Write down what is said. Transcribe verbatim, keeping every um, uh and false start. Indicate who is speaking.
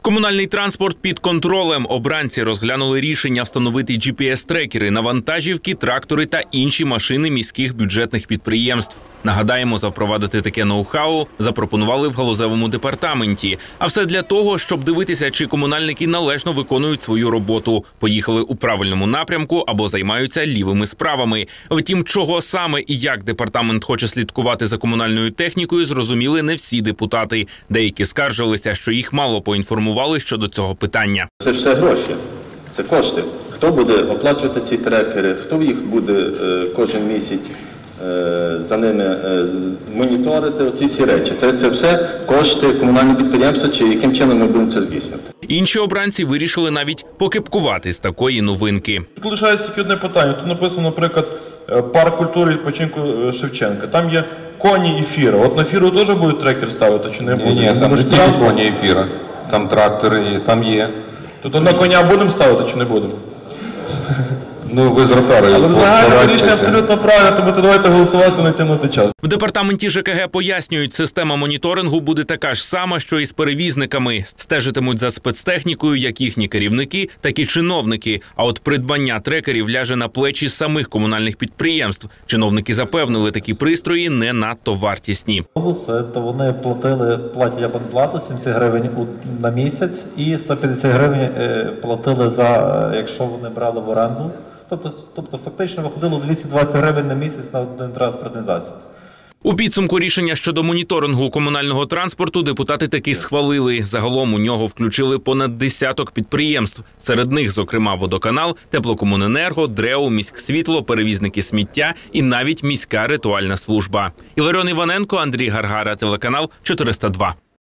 Speaker 1: Комунальний транспорт під контролем. Обранці розглянули рішення встановити джі пі ес-трекери на вантажівки, трактори та інші машини міських бюджетних підприємств. Нагадаємо, запровадити таке ноу-хау запропонували в галузевому департаменті. А все для того, щоб дивитися, чи комунальники належно виконують свою роботу, поїхали у правильному напрямку або займаються лівими справами. Втім, чого саме і як департамент хоче слідкувати за комунальною технікою, зрозуміли не всі депутати. Деякі скаржилися, що їх мало поінформували щодо цього питання.
Speaker 2: Це все гроші, це кошти. Хто буде оплачувати ці трекери, хто їх буде е, кожен місяць е, за ними е, моніторити, оці всі речі. Це, це все кошти комунального підприємства, чи яким чином ми будемо це здійснювати.
Speaker 1: Інші обранці вирішили навіть покепкувати з такої новинки.
Speaker 3: Тут лишається тільки одне питання. Тут написано, наприклад, парк культури відпочинку Шевченка. Там є коні і фіра. От на фіру теж будуть трекер ставити, чи не будуть?
Speaker 4: Ні, ні, там не тільки коні і фіра. Там трактори, там є.
Speaker 3: Тобто на коня будемо ставити, чи не будемо?
Speaker 4: Ну, ви з ротарою.
Speaker 3: Але взагалі рішення абсолютно правильно, тому давайте голосувати, не тягнути час.
Speaker 1: В департаменті же ка ге пояснюють, система моніторингу буде така ж сама, що і з перевізниками. Стежитимуть за спецтехнікою як їхні керівники, так і чиновники. А от придбання трекерів ляже на плечі самих комунальних підприємств. Чиновники запевнили, такі пристрої не надто вартісні.
Speaker 5: То вони платили, платять абонплату сімдесят гривень на місяць і сто п'ятдесят гривень платили за, якщо вони брали в оренду. Тобто, тобто фактично виходило двісті двадцять гривень на місяць на один транспортний засіб.
Speaker 1: У підсумку рішення щодо моніторингу комунального транспорту депутати таки схвалили. Загалом у нього включили понад десяток підприємств. Серед них, зокрема, водоканал, теплокомуненерго, ДРЕУ, міськсвітло, перевізники сміття і навіть міська ритуальна служба. Іларіон Іваненко, Андрій Гаргара, телеканал чотириста два.